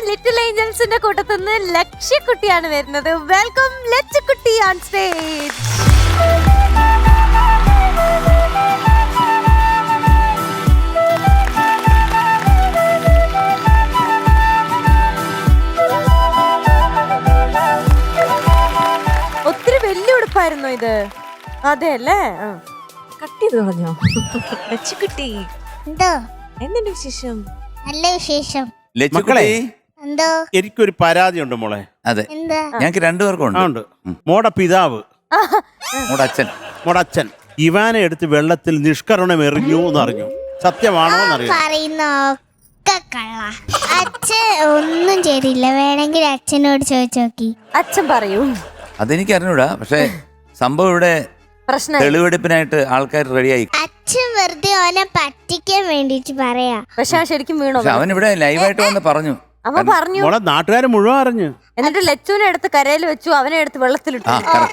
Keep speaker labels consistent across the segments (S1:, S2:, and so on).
S1: Little ഏഞ്ചൽസിന്റെ കൂട്ടത്തുനിന്ന് ലക്ഷ്യക്കുട്ടിയാണ് വരുന്നത്. വെൽക്കം ലക്ഷ്യക്കുട്ടി ഓൺ സ്റ്റേജ്. ഒത്തിരി വലിയ ഉടുപ്പായിരുന്നു ഇത്. അതെ അല്ലേ?
S2: കട്ട് ചെയ്ത് കളഞ്ഞോ? ലക്ഷ്യക്കുട്ടി
S3: എന്തോ
S2: എന്തുണ്ട് വിശേഷം?
S3: നല്ല വിശേഷം.
S4: മക്കളെ
S3: എന്തോ
S4: എനിക്കൊരു പരാതി ഉണ്ട് മോളെ.
S5: അതെ,
S3: എന്താ
S5: ഞങ്ങൾക്ക് രണ്ടുപേർക്കും ഉണ്ട്.
S4: ഉണ്ട്. മോടെ പിതാവ്,
S5: മോടെ അച്ഛൻ,
S4: മോടെ അച്ഛൻ ഇവാനെ എടുത്ത് വെള്ളത്തിൽ നിഷ്കരണം എറിഞ്ഞു എന്നറിഞ്ഞു. സത്യമാണോ എന്നറിയാം.
S3: പറയുന്ന ഒക്കെ കള്ള. അച്ഛൻ ഒന്നും ചെയ്തില്ല. വേണമെങ്കിൽ അച്ഛനോട് ചോദിച്ചു നോക്കി.
S1: അച്ഛൻ പറയൂ.
S5: അതെനിക്ക് അറിഞ്ഞൂടാ. പക്ഷെ സംഭവം ഇവിടെ
S1: പ്രശ്നം
S5: തെളിവെടുപ്പിനായിട്ട് ആൾക്കാർ റെഡിയായി.
S3: അച്ഛൻ വെറുതെ അവനെ പറ്റിക്കാൻ വേണ്ടിട്ട് പറയാ.
S1: പക്ഷെ ശരിക്കും വീണോ?
S5: പക്ഷെ അവൻ ഇവിടെ ലൈവായിട്ട് വന്ന് പറഞ്ഞു.
S1: അവൻ പറഞ്ഞു.
S4: മോളെ നാട്ടുകാർ മുഴുവൻ അറിഞ്ഞു.
S1: എന്നിട്ട് ലച്ചുവിനെ എടുത്ത് കരയിൽ വെച്ചു, അവനെ എടുത്ത് വെള്ളത്തിലിട്ടു.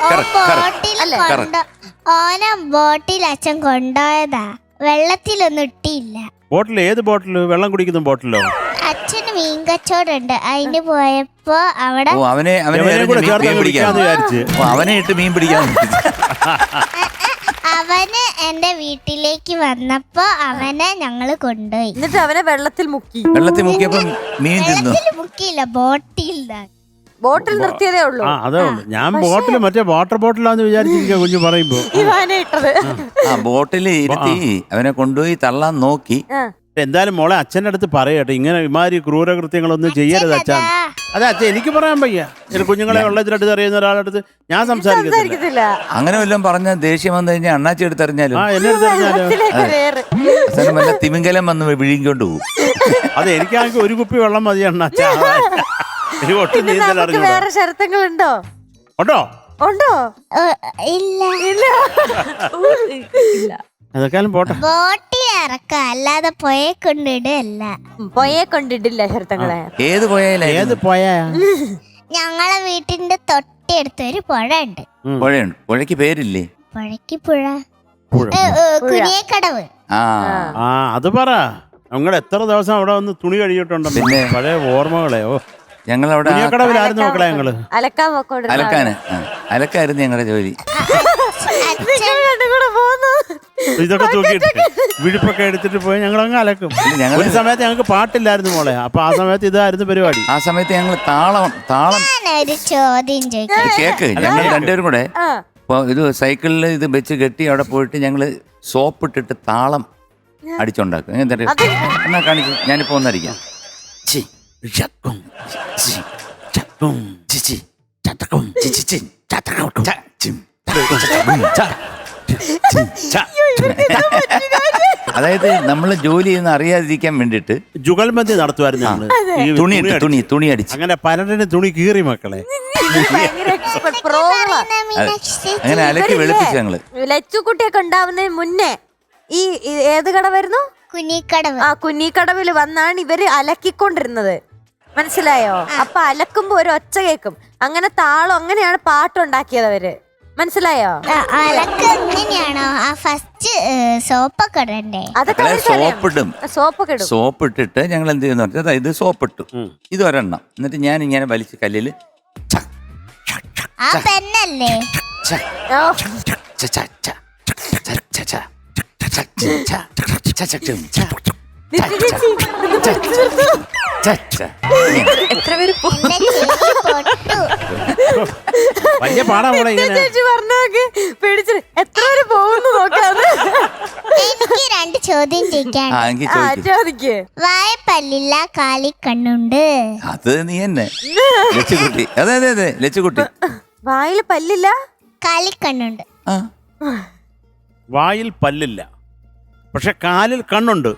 S3: ഓനെ ബോട്ടിൽ അച്ഛൻ കൊണ്ടുപോയതാ. വെള്ളത്തിലൊന്നും ഇട്ടില്ല.
S4: ബോട്ടിൽ? ഏത് ബോട്ടില്? വെള്ളം കുടിക്കുന്ന ബോട്ടിലോ?
S3: അച്ഛന് മീൻ കച്ചവടമുണ്ട്. അതിന് പോയപ്പോ അവിടെ
S5: അവനെ
S4: കൂടെ ചേർത്ത് പിടിക്കാന്ന് വിചാരിച്ച്
S5: അവനെ ഇട്ട് മീൻ പിടിക്കാൻ.
S3: അവന് എന്റെ വീട്ടിലേക്ക് വന്നപ്പോ അവനെ ഞങ്ങള് കൊണ്ടുപോയി.
S1: എന്നിട്ട് അവനെ വെള്ളത്തിൽ മുക്കി.
S5: വെള്ളത്തിൽ മുക്കിയപ്പോ മീൻ തിന്നു.
S3: വെള്ളത്തിൽ മുക്കിയില്ല, ബോട്ടിൽ
S1: ബോട്ടിൽ നിർത്തിയതേ ഉള്ളൂ.
S4: അതേ ഉള്ളു. ഞാൻ ബോട്ടിൽ മറ്റേ വാട്ടർ ബോട്ടിലാന്ന് വിചാരിച്ചിരിക്കുക കുഞ്ഞു പറയുമ്പോ.
S1: ഇവാനെ ഇട്ടത്.
S5: ബോട്ടിൽ ഇരുത്തി അവനെ കൊണ്ടുപോയി തള്ളാൻ നോക്കി.
S4: എന്തായാലും മോളെ അച്ഛൻ്റെ അടുത്ത് പറയട്ടെ, ഇങ്ങനെ ഇമാതിരി ക്രൂരകൃത്യങ്ങളൊന്നും ചെയ്യരുത് അച്ഛൻ. അതെ അച്ഛൻ, എനിക്ക് പറയാൻ വയ്യ. കുഞ്ഞുങ്ങളെ വെള്ളത്തിനടുത്ത് അറിയുന്ന ഒരാളുടെ അടുത്ത് ഞാൻ സംസാരിക്കത്തില്ല.
S5: അങ്ങനെ വല്ലതും പറഞ്ഞ ദേഷ്യം വന്നു കഴിഞ്ഞാൽ അണ്ണാച്ചി എടുത്തറിഞ്ഞാലും
S4: എന്നെ എടുത്ത് അറിഞ്ഞാലോ
S5: അവസാനം വല്ല തിമിംഗലം വന്ന് വിഴുങ്ങിക്കൊണ്ട് പോകും.
S4: അതെ, എനിക്കാണെങ്കിൽ ഒരു കുപ്പി വെള്ളം മതി അണ്ണാച്ച. എനിക്ക് ഒട്ടും നീന്തൽ അറിഞ്ഞു.
S1: വേറെ ശരത്തങ്ങളുണ്ടോ?
S4: ഉണ്ടോ?
S1: ഉണ്ടോ?
S3: ഇല്ല
S2: ഇല്ല.
S4: അതൊക്കെയാലും പോട്ടെ.
S3: ബോട്ടിൽ ഇറക്ക, അല്ലാതെ പുഴയെ കൊണ്ടിടല്ല.
S1: പൊയെ കൊണ്ടിട്ടില്ല ശരത്തങ്ങളെ.
S5: ഏത് പോയാലും
S4: ഏത് പോയാ?
S3: ഞങ്ങളെ വീട്ടിന്റെ തൊട്ടടുത്ത് ഒരു പുഴ ഉണ്ട്.
S5: പുഴയുണ്ട്. പുഴയ്ക്ക് പേരില്ലേ?
S3: പുഴയ്ക്ക് പുഴ കുനിയക്കടവ്.
S5: ആ
S4: അത് പറ. നിങ്ങൾ എത്ര ദിവസം അവിടെ വന്ന് തുണി കഴിയിട്ടുണ്ടോ?
S5: പിന്നെ
S4: പഴയ ഓർമ്മകളെ. ഓ,
S5: ഞങ്ങളവിടെ
S4: കുനിയക്കടവിലായിരുന്നു മക്കളെ ഞങ്ങള്.
S1: അലക്കാൻ പോക്കോണ്ട്
S5: അലക്കായിരുന്നു ഞങ്ങളുടെ ജോലി.
S4: ഇതൊക്കെ തൂക്കിയിട്ട് വിഴുപ്പൊക്കെ എടുത്തിട്ട് പോയി ഞങ്ങൾ അങ്ങ് അലക്കും. ഒരു സമയത്ത് ഞങ്ങൾക്ക് പാട്ടില്ലായിരുന്നു മോളെ. അപ്പൊ ആ സമയത്ത് ഇതായിരുന്നു പരിപാടി.
S5: ആ സമയത്ത് ഞങ്ങൾ താളം
S3: ഞാനൊരു ചോദ്യം ചോദിക്കാം.
S5: കേക്ക് ഞങ്ങൾ രണ്ടുപേരും കൂടെ ഇത് സൈക്കിളിൽ ഇത് വെച്ച് കെട്ടി അവിടെ പോയിട്ട് ഞങ്ങള് സോപ്പ് ഇട്ടിട്ട് താളം അടിച്ചുണ്ടാക്കും. എന്നാ കാണിച്ചു, ഞാനിപ്പോ ഒന്നടിക്കാം. അതായത് നമ്മള് ജോലി ചെയ്യുന്ന അറിയാതിരിക്കാൻ വേണ്ടിട്ട്
S4: ജുഗൽബന്ദി നടത്തുമായിരുന്നു ഞങ്ങള്.
S5: തുണി അടിച്ച്
S4: അങ്ങനെ പലരുടെ തുണി കീറി മക്കളെ.
S5: അങ്ങനെ അലക്കി വെളുപ്പിച്ചു ഞങ്ങള്.
S1: ലച്ചുകുട്ടിയൊക്കെ ഉണ്ടാവുന്നതിന് മുന്നേ ഈ ഏത് കടവായിരുന്നു?
S3: കുനിക്കടവ്.
S1: ആ കുഞ്ഞിക്കടവിൽ വന്നാണ് ഇവര് അലക്കിക്കൊണ്ടിരുന്നത്. മനസ്സിലായോ? അപ്പൊ അലക്കുമ്പോ ഒരു ഒച്ച കേക്കും. അങ്ങനെ താളം, അങ്ങനെയാണ് പാട്ടുണ്ടാക്കിയത് അവര്. മനസ്സിലായോ?
S3: അലക്ക് എങ്ങനെയാണോ? ആ ഫസ്റ്റ് സോപ്പൊക്കെ ഇടണ്ടേ?
S1: അതൊക്കെ
S5: സോപ്പിടും. സോപ്പ് ഇട്ടിട്ട് ഞങ്ങൾ എന്ത് ചെയ്യുന്ന പറഞ്ഞാൽ ഇത് സോപ്പിട്ടു, ഇത് ഒരെണ്ണം. എന്നിട്ട് ഞാൻ ഇങ്ങനെ വലിച്ച് കല്ലില്
S3: ആ പെണ്ണല്ലേ
S2: എത്ര പേര്
S4: വലിയ പാടാ മോളെ ഇങ്ങനെ.
S1: പേടിച്ചു എത്ര പേര് പോകുന്നു നോക്കാതെ.
S3: എനിക്ക് രണ്ട് ചോദ്യം ചോദിക്കാൻ. വായപ്പല്ലില്ല, കാലിക്കണ്ണുണ്ട്.
S5: അത് നീ തന്നെ ലച്ചുകുട്ടി. അതെ അതെ അതെ ലച്ചുകുട്ടി.
S1: വായിൽ പല്ലില്ല,
S3: കാലിക്കണ്ണുണ്ട്.
S4: വായിൽ പല്ലില്ല, പക്ഷെ കാലിൽ കണ്ണുണ്ട്.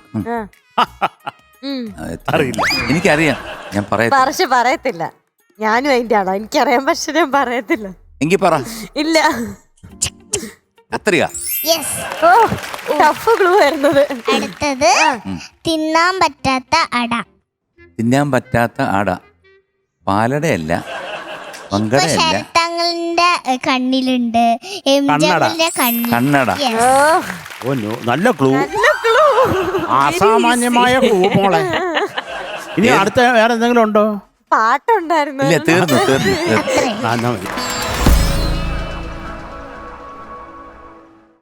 S4: അറിയില്ല.
S5: എനിക്കറിയാം, ഞാൻ
S1: പറയത്തില്ല. ഞാനും അതിന്റെ ആളാ. എനിക്കറിയാം, പക്ഷെ ഞാൻ പറയത്തില്ല.
S5: എങ്കി പറ.
S1: ഇല്ല.
S5: കത്രിക.
S1: ടഫ് ക്ലൂ വരുന്നത്.
S3: അടുത്തത് തിന്നാൻ പറ്റാത്ത അട.
S5: തിന്നാൻ പറ്റാത്ത അട. പാലടയല്ല, പങ്കടയല്ല.
S3: ശരത്തങ്ങളുടെ കണ്ണിലുണ്ട്, എംജിഎമ്മിന്റെ
S5: കണ്ണട.
S4: നല്ല ക്ലൂ, അസാമാന്യമായ ക്ലൂ മോളെ. ഇനി അടുത്ത വേറെ എന്തെങ്കിലും ഉണ്ടോ?
S1: പാട്ടുണ്ടായിരുന്നു
S5: ഇല്ല തീർന്നു തീർന്നു തീർന്നു
S3: അത്രേ
S4: ആ, എന്നാ മതി.